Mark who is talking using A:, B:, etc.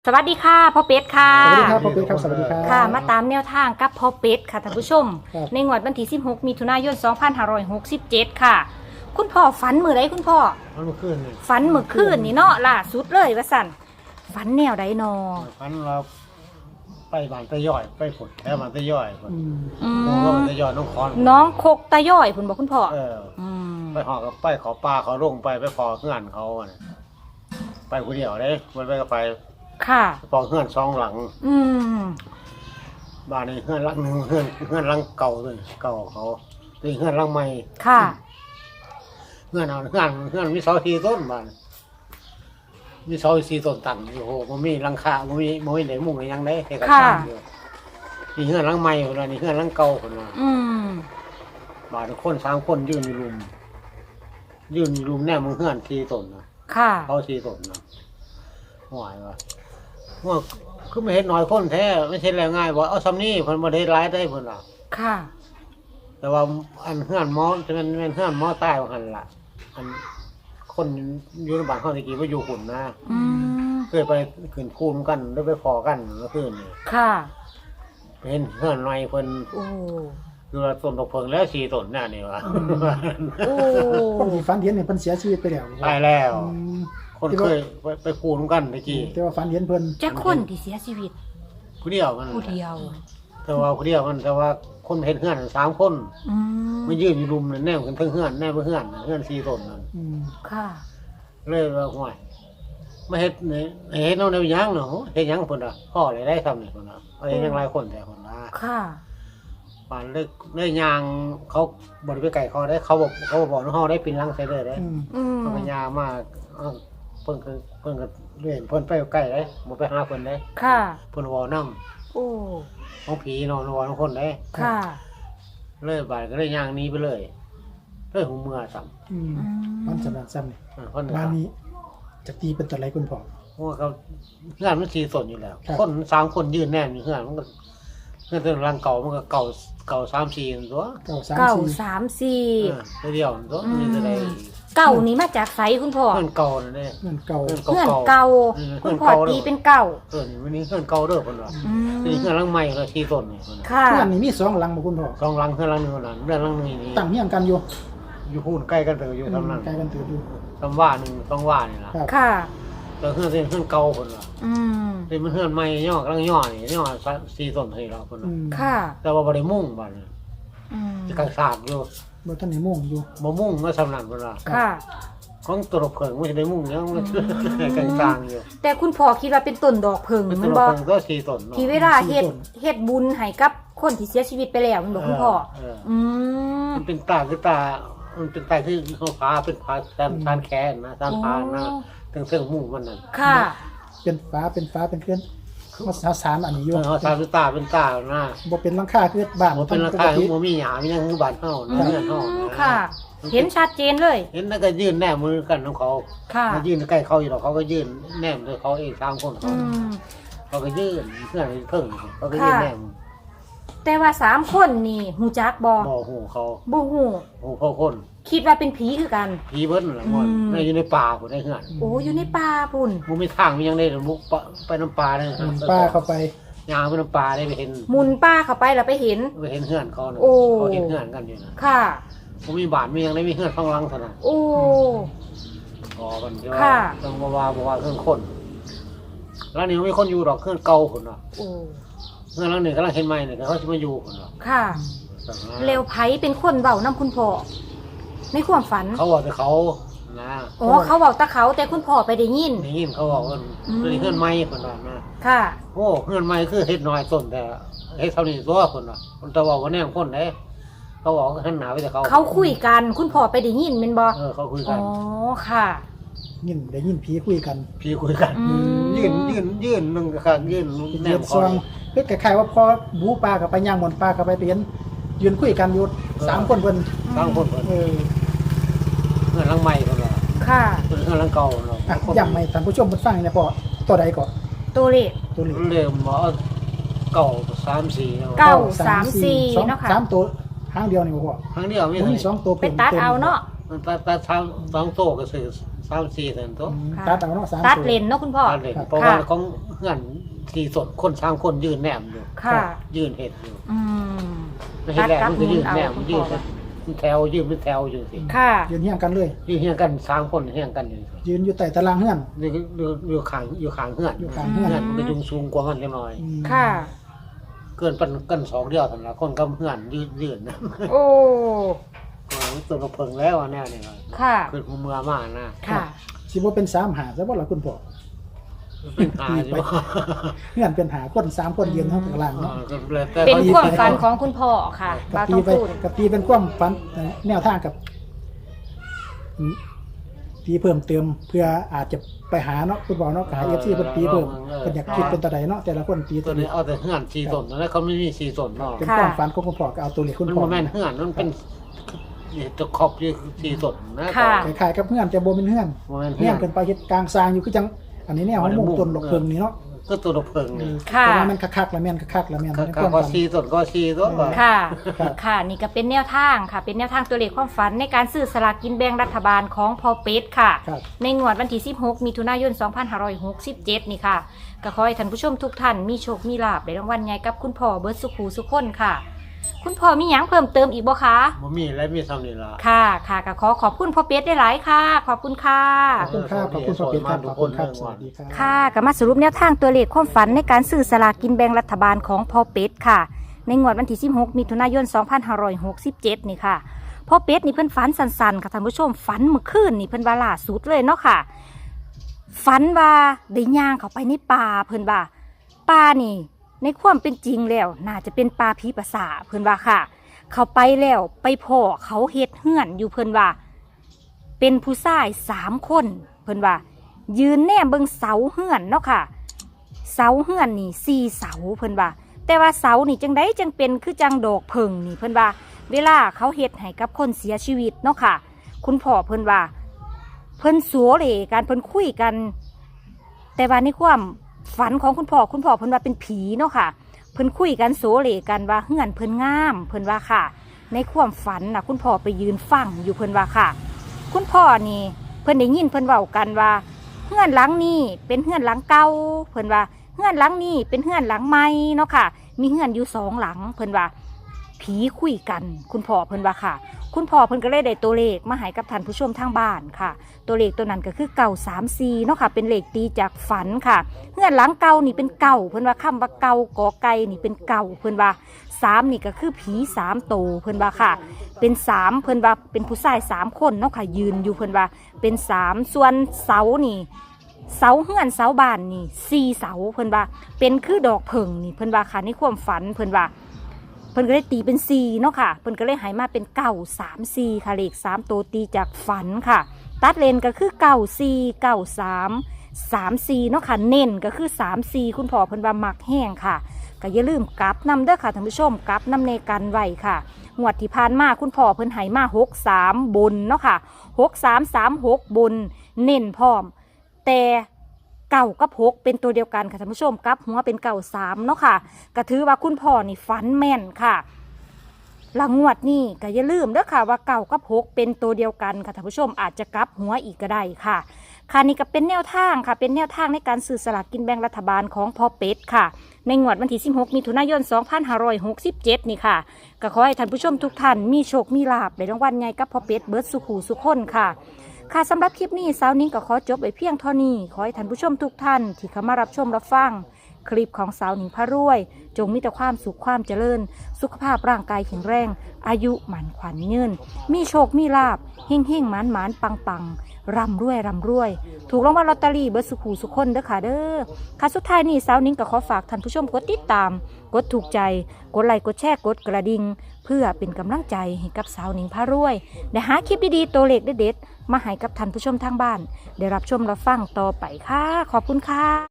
A: สวัสดีค่ะพ่อเป็ดค่ะ
B: สวัสดีครับพ่อเป็ดครับสวัสดีครับ
A: ค่ะมาตามแนวทางกับพ่อเป็ดค่ะท่านผู้ชม
B: ครับ
A: ในงวดวันที่16มิถุนายน2567ค่ะ คุณพ่อฝันมื้อใดคุณพ่อ
C: มันเมื่อคืนนี่
A: ฝันมื้อคืนนี่เนาะล่าสุดเลยว่าสั่นฝันแนวใดนอ
C: ฝันเราไปบ้านตะย่อยไปฝนแถวบ้านตะย่อยฝน
A: อื
C: โอ้ก็
A: ม
C: บ้านตะย่อยน้องคอน
A: น้องโคกตาย่อยคุณบอกคุณพ่อ
C: ม
A: ม
C: ไปหอกับไปขอปลาเขาลงไปพอเงื่อนเขาอะน่ะไปคนเดียวเลยมันไปก็ไป
A: ค่ะ
C: พอเงื่อนสองหลัง
A: อืม
C: บ้านนี้เงื่อนหลังหนึ่งเงื่อนหลังเก่าเลยเก่าเขาตีเงื่อนหลังใหม่
A: ค่ะ
C: เงื่อนเอาเงื่อนมีเสาสี่ต้นบ้านมีเสาสี่ต้นตั้งอยู่โอ้โหมันมีหลังคามันมีไหนมุ้งอะไรยังได้แค่กระชังอยู่นี่เงื่อนหลังใหม่คนละนี่เงื่อนหลังเก่าคนละ
A: อืม
C: บาดคน3 คนยืนอยู่รุมแน่มึงเฮือนทีตนนะ
A: ค่ะ
C: เขาทีตนนะหวายวะว่าคือไม่เห็นน้อยคนแท้ไม่ใช่แรงง่ายว่าเอาซ้ำนี่เพิ่นบ่ได้ร้ายได้เพิ่นล่ะ
A: ค่ะ
C: แต่ว่าอันเฮือนหมอจะเป็นเฮือนหมอตายว่าหั่นล่ะอันคนอยู่ในบ้านเฮาตะกี้ว่าอยู่หุ่นนะ
A: อืม
C: เคยไปขึ้นคูนกันหรือไปพอกันเมื่อคืนนี่
A: ค่ะ
C: ไปเห็นเฮือนน้อยเพิ่น
A: โอ้
C: อยู่ละต้นตกเพิงแล้ว4 ต้นน่ะนี่วะ
A: โอ้
B: คนที่ฝันเห็นเนี่ยเพิ่นเสียชีวิตไปแล้ว
C: ตายแล้ว
B: อืม
C: คนเคยไปคูนกันตะกี้
B: แต่ว่าฝันเห็นเพิ่น
A: จะคนที่เสียชีวิต
C: ผู้เดียวมัน
A: ผู้เดียว
C: แต่ว่าผู้เดียวมันแต่ว่าคนเห็นเฮือน3 คน
A: อืม
C: มายืนอยู่รุมนั่นแน่กันทั้งเฮือนแน่บ่เฮือน4 ต้นนั่น
B: อืม
A: ค่ะ
C: เลยว่าห่วยมาเฮ็ดนี่เฮ็ดเอาแนวหยังเนาะเฮ็ดหยังเพิ่นน่ะพ่อเลยได้ทำนี่เพิ่นน่ะเอาเฮ็ดหยังหลายคนแต่เพิ่นน่ะ
A: ค่ะ
C: ปานเลยย่างเขาบ่ได้ไปไกลเขาได้เขาบอกว่าเฮาได้ปีนหลังใส่เลยได้
B: อืม
A: อืม
C: เพิ่นก็ย่างมาเอ้าเพิ่นก็เล่นเพิ่นไปใกล้ได้บ่ไปหาเพิ่นได้
A: ค่ะ
C: เพิ่นเว้านำ
A: โอ้
C: ของผีเนาะเว้านำคนได้
A: ค่ะ
C: เลยบาดก็เลยย่างหนี้ไปเลยหูเมื่อซ้ำ
B: อืมมันสำนักซ้ำนี่
C: เพิ่น
B: บ้านนี้จะตีเป็นตัวไรคุณพ่อ
C: เพราะว่าเขาเพื่อนมันสีสนอยู่แล้ว
B: ครับ
C: คน3 คนยืนแน่นอยู่เพื่อนมันก็เพื่อนตัวรังเก่ามันก็เก่า3 4ตัว
B: เก้าสาม
A: เก่า
B: สี่
A: 3-4
C: เดียวตัวนี่จะได้
A: เก่านี่มาจากไสคุณพ่อ
C: เพื่อนเก่านั่นเอง
B: เงินเก่า
C: เพื่อน
A: เพื่อน
C: เก่า
A: เก่า
C: เพื่
A: คุ
C: อน
A: ณพ่อ
C: เก่า
A: ตีเป็นเก่า
C: วันนี้เพื่อนเก่าเด้อคนว่า
A: อืม
C: นี่เพื่อนรังใหม่เราสีสนนี่คนน่ะ
A: ค่ะ
B: เพื่อนนี่มี2หลังบ่คุณพ่อ
C: สองรังเพื่อนรังหนึงคนนั้นเรื่องรังหนึงนี่
B: ตั้งเฮียงกันอยู่
C: อยู่พูนใกล้กันเถอะอยู่ทำนั้น
B: ใกล้กันถืออยู่
C: ทำว่าหนึ่งต้องว่านี่ล่ะ
B: ครับ
A: ค่ะ
C: แต่เพื่อนเป็นเพื่อนเก่าคนว่า
A: อืม
C: เป็นเพื่อนใหม่ย่อกำลังย่อนี่ย่อสีสนให้เราคน
B: อื
C: น่ะ
B: ม
A: ค่ะ
C: แต่ว่าบ่ได้มุ่งบ้านน่ะ
A: อืม
C: จะกังสาบอยู่
B: บ่ทันได้ม่วงอยู่
C: บ่มุ่งมาสำนักเวลา
A: ค่ะ
C: ของตัวรบเพิงไม่ได้มุ่งยังมันกลางๆอยู่
A: แต่คุณพ่อคิดว่าเป็นต้นดอกเพิง
C: เป็นตั
A: มั
C: วน รบ
A: บ่
C: เพิงก็สีต้นเนาะ
A: ที่เวลาเฮ็ดบุญให้กับคนที่เสียชีวิตไปแล้วมันบอกคุณพ่อ อืม
C: มันเป็นตาคือตา มันเป็นตาคือเขาฟ้าเป็นฟ้าตานแขนนะตานพานนะตั้งเส้นมุ่งมันนั่น
A: ค่ะ
B: เป็นฟ้าเป็นเคลื่อนเขาสารอันนี้อยู่
C: เขาตาเป็นตาเป็นตานะ
B: บ่เป็นหลังคาคือบ้าน
C: มันเป็นราคาที่มันมีหยามียังบานเฮานะเงื่อนเฮา
A: ค่ะ เห็นชัดเจนเลย
C: เห็นแล้วก็ยื่นแนบมือกันของเขา
A: ค่ะ
C: มายื่นใกล้เขาอยู่หรอกเขาก็ยื่นแนบด้วยเขาเอง3 คน
A: อืม
C: เขาก็ยื่นเพื่อนเพิ่งเขาก็ยื่นแนบ
A: แต่ว่า3 คนนี่หูจักบ่
C: บ่หูเขา
A: บ่ฮู้
C: หูเขาคน
A: คิดว่าเป็นผีคือกัน
C: ผีเบิ้ลละมัน
A: อืม
C: ในอยู่ในป่าผมได้เหือน
A: โอ้อยู่ในป่าพุ่น
C: มันมีทางมียังได้หรือมุกไปน้ำปลาได้
B: อืมป้าเข้าไป
C: ยางไปน้ำปลาได้ไปเห็น
A: หมุนป่าเข้าไปแล้วไปเห็น
C: ไปเห็นเหือนเขาน่ะ
A: โอ้
C: เขาเห็นเหือนกันอยู่นะ
A: ค่ะ
C: ผมมีบาทมียังได้มีเหือนข้างหลังเท่านั้น
A: โอ้
C: อ๋อมันจะ
A: ค่ะ
C: ต้องว่าเหือนคนแล้วนี่มีคนอยู่ดอกเหือนเก่าคนน่ะ
A: โอ้
C: เหือนหลังหนึ่งกำลังเห็นใหม่เนี่ยเขาจะมาอยู่คนน่ะ
A: ค่ะเร็วไผเป็นคนเว้านํคุณพ่อในความฝัน
C: เขาบอกแต่เขานะ
A: อ๋อเขาเว้าแตะเขาแต่คุณพ่อไปได้ยิน
C: ได้ยินเขาบอกว่า
A: อืม
C: เป็นเหือนใหม่คนน่ะนะ
A: ค่ะ
C: โอ้เหือนใหม่คือเฮ็ดน้อยต้นแต่เฮ็ดเท่านี้ตัวคนน่ะคนตะบอกว่าแน่คนไหนเขาบอกว่าหันหนาไปแต่เขา
A: เขาคุยกัน คุณพ่อไปได้ยินแม่นบ่
C: เขาคุย
A: อ๋
C: กั
A: อน ค่ะ
B: ยินได้ยินผีคุยกัน
C: พี่คุยกัน
A: อืม
C: ยื่นนึงค่ะยื่นแน
B: เดือ
C: ม
B: ด
C: ค
B: ซ
C: อ
B: องเฮ็ดคล้ายๆว่าพอบูปลากับไปย่างบนปลากับไปเห็นยืนคุยกันอยู่3คนเพิ่น
C: ตั้งคนเพิ่น
B: เออ
C: เงินลังใหม่เพิ่นว่า
A: ค่ะ
C: เพิ่นเงินลังเก่าเนาะ
B: อ่ะย้ำให้ท่านผู้ชมเพิ่นฟังเนี่ยพ่อตัวใดก่อน
A: ตัวเลข
B: ตัวนี้
C: เริ่มบ่เก่า3-4เนาะ
A: เก้า 3-4เนาะค่ะ
B: สามตัวหางเดียวนี่บ่พ่อ
C: ครั้งเดียวมี
B: บ่มี2ตัว
A: ไปตัดเอาเนาะ
C: มันตัด2โตก็ซื้อ 3-4เท่านั้นตัว
A: ค่ะ
B: ตัดเอาเนาะ3
A: ตัดเลนเนาะคุณพ่อ
C: ตัดเลยเพราะว่าของเพื่อนสี่สดคน3คนยืนแนมอยู่
A: ค่ะ
C: ยืนเห็ดอยู่
A: อืม
C: ไม่ใช่แรกมันก็ยืนแนม
A: ตัดกับ
C: ยืน
A: คุณพ่อ
C: เป็นแถวยืนเป็นแถวอยู่สิ
A: ค่ะ
B: ยืนเฮียงกันเลย
C: ยืนเฮียงกัน3คนเฮียงกันอยู่สิ
B: ยืนอยู่ใต้ตารางเฮือน
C: นี่อยู่ข้างเฮือน
B: อยู่ข้างเฮือน
C: เฮือนมันก็ยุงสูงกว่ามันจังหน่อย
B: อืม
A: ค่ะ
C: เกินปันกัน2เดียวสำหรับคนกับเฮือนยืนนะ
A: โอ้
C: ตัวกระเพิงแล้วอันแน่นี่ครับ
A: ค่ะ
C: คือหัวเมือมากนะ
A: ค่ะ
B: สิบ่เป็น3หาซะบ่ล่ะคุณพ่อ
C: เป็นหาอยู่
B: เฮือนเป็นหาคน3คนยืนเท่าข้างล่างเนาะ
C: ก็เลยแต่
A: เป็น
C: เขา
A: ความฝันของคุณพ่อค่ะบ่าว
B: ตี
A: ต้อง
B: ไป
A: พูด
B: กับตีเป็นความฝันแนวทางกับตีเพิ่มเติมเพื่ออาจจะไปหาเนาะคุณพ่อเนาะหา FC เพิ่นตีเพิ่มเพิ่นอยากคิดเป็นตัวใดเนาะแต่ละคนตี
C: ตั
B: ตัว ว
C: นี้
B: นี้
C: เอาแต่เฮือน4ต้นแล้วเขาไม่มี4ต้นเนาะ
B: เป็นความฝันของคุณพ่อก็เอาตัวเลขคุณ
C: มัน
B: พ่อ
C: บ่แม่นเฮือนมันเป็นตะขอบอยู่4ต้นนะ
A: ค่ะ
B: คล้ายๆกับเฮือนแต่บ่เป็นเฮือน
C: บ่แม่น
B: เฮื
C: เฮื
B: อ
C: อน น
B: เพิ่นไปเฮ็ดกลางซางอยู่คือจังอันนี้แนวของมุงต้นดอกเพิ่งนี่เนาะ
C: ก็ตัวระเพิงนี่
A: ค่ะ
B: แต่ว่ามันคักๆแล้วแม่นคักๆแล้วแม่นในค
C: ก็
B: วาม
C: ก็
B: ฝัน
C: 4ต้นก็4ต้นว่า
A: ค่ะ
B: ครับ
A: ค่ะ นี่ก็เป็นแนวทางค่ะ เป็นแนวทางตัวเลขความฝันในการซื้อสลากกินแบ่งรัฐบาลของพอเป็ดค่ะ
B: ครับ
A: ในงวดวันที่ 16 มิถุนายน 2567 นี่ค่ะ ก็ขอให้ท่านผู้ชมทุกท่านมีโชค มีลาภได้รางวัลใหญ่กับคุณพ่อเบิร์ดสุขูสุขคนค่ะ คุณพ่อมีหยังเพิ่มเติมอีกบ่คะ
C: บ่มีอะไรมีซ้ำนี่ล่ะ
A: ค่ะ ค่ะก็ขอขอบคุณพ่อเป็ดได้หลายค่ะ ขอบคุณค่ะ
B: ขอบคุณครับขอบคุณสวัสดีครับขอบคุณครับสวัสดีครับ
A: ค่ะก็มาสรุปแนวทางตัวเลขความฝันในการซื้อสลากกินแบ่งรัฐบาลของพ่อเป็ดค่ะ ในงวดวันที่ 16 มิถุนายน 2567 นี่ค่ะพ่อเป็ดนี่เพิ่นฝันสันๆค่ะท่านผู้ชมฝันเมื่อคืนนี่เพิ่นว่าล่าสุดเลยเนาะค่ะ ฝันว่าได้ย่างเข้าไปในป่าเพิ่นว่าป่านี่ ในความเป็นจริงแล้วน่าจะเป็นป่าผีประสาเพิ่นว่าค่ะ เข้าไปแล้วไปพ่อเขาเฮ็ดเฮือนอยู่เพิ่นว่า เป็นผู้ชาย3 คนเพิ่นว่า ยืนแนมเบิ่งเสาเฮือนเนาะค่ะ เสาเฮือนนี่4 เสาเพิ่นว่า แต่ว่าเสานี่จังไดจังเป็นคือจังดอกเพิงนี่เพิ่นว่า เวลาเขาเฮ็ดให้กับคนเสียชีวิตเนาะค่ะ คุณพ่อเพิ่นว่า เพิ่นสัวเหล่กันเพิ่นคุยกัน แต่ว่าในความฝันของคุณพ่อเพิ่นว่าเป็นผีเนาะค่ะ เพิ่นคุยกันโสเหล่กันว่าเฮือนเพิ่นงามเพิ่นว่าค่ะ ในความฝันน่ะคุณพ่อไปยืนฟังอยู่เพิ่นว่าค่ะ คุณพ่อนี่เพิ่นได้ยินเพิ่นเว้ากันว่าเฮือนหลังนี้เป็นเฮือนหลังเก่าเพิ่นว่าเฮือนหลังนี้เป็นเฮือนหลังใหม่เนาะค่ะ มีเฮือนอยู่2 หลังเพิ่นว่า ผีคุยกันคุณพ่อเพิ่นว่าค่ะ คุณพ่อเพิ่นก็เลยได้ตัวเลขมาให้กับท่านผู้ชมทางบ้านค่ะ ตัวเลขตัวนั้นก็คือ934เนาะค่ะเป็นเลขตีจากฝันค่ะเฮือนหลังเก่านี่เป็นเก่าเพิ่นว่าคำว่าเก่ากอไก่นี่เป็นเก่าเพิ่นว่า3นี่ก็คือผี3โตวเพิ่นว่าค่ะเป็น3เพิ่นว่าเป็นผู้ชาย3 คนเนาะค่ะยืนอยู่เพิ่นว่าเป็น3ส่วนเสานี่เสาเฮือนเสาบ้านนี่4 เสาเพิ่นว่าเป็นคือดอกเพิงนี่เพิ่นว่าค่ะในความฝันเพิ่นว่า เพิ่นก็เลยตีเป็น4เนาะค่ะเพิ่นก็เลยหายมาเป็น934ค่ะเลข3ตัวตีจากฝันค่ะ ตัดเลนก็คือ94 93 34เนาะค่ะเน้นก็คือ34คุณพ่อเพิ่นว่ามักแห้งค่ะก็อย่าลืมกลับนำเด้อค่ะท่านผู้ชมกลับนำในกันไว้ค่ะงวดที่ผ่านมาคุณพ่อเพิ่นใหายมา63บนเนาะค่ะ6336บนเน้นพร้อมแต่เก่ากับ6เป็นตัวเดียวกันค่ะท่านผู้ชมกลับหัวเป็น93เนาะค่ะก็ถือว่าคุณพ่อนี่ฝันแม่นค่ะหลังงวดนี่ก็อย่าลืมเด้อค่ะว่าเก่ากับ6เป็นตัวเดียวกันค่ะท่านผู้ชมอาจจะกลับหัวอีกก็ได้ค่ะค่ะนี่ก็เป็นแนวทางค่ะเป็นแนวทางในการซื้อสลากกินแบ่งรัฐบาลของพ่อเป็ดค่ะในงวดวันที่16มิถุนายน2567นี่ค่ะก็ขอให้ท่านผู้ชมทุกท่านมีโชคมีลาภในรางวัลใหญ่กับพ่อเป็ดเบิร์ดสุขูสุขคนค่ะค่ะสำหรับคลิปนี้สาวนิ้งก็ขอจบไว้เพียงเท่านี้ขอให้ท่านผู้ชมทุกท่านที่เข้ามารับชมรับฟังคลิปของสาวนิ้งพระรวยจงมีแต่ความสุขความเจริญสุขภาพร่างกายแข็งแรงอายุหมันขวัญยืนมีโชคมีลาภเฮ่งเฮ่งหมานหมานปังปังร่ำรวยร่ำรวยถูกรางวัลลอตเตอรี่เบิร์ดสุขูสุขคนเด้อค่ะเด้อค่ะสุดท้ายนี้สาวนิ้งก็ขอฝากท่านผู้ชมกดติดตามกดถูกใจกดไลค์กดแชร์กดกระดิ่งเพื่อเป็นกำลังใจให้กับสาวนิ้งพระรวยได้หาคลิปดีๆตัวเลขเด็ดๆมาให้กับท่านผู้ชมทางบ้านได้รับชมรับฟังต่อไปค่ะขอบคุณค่ะ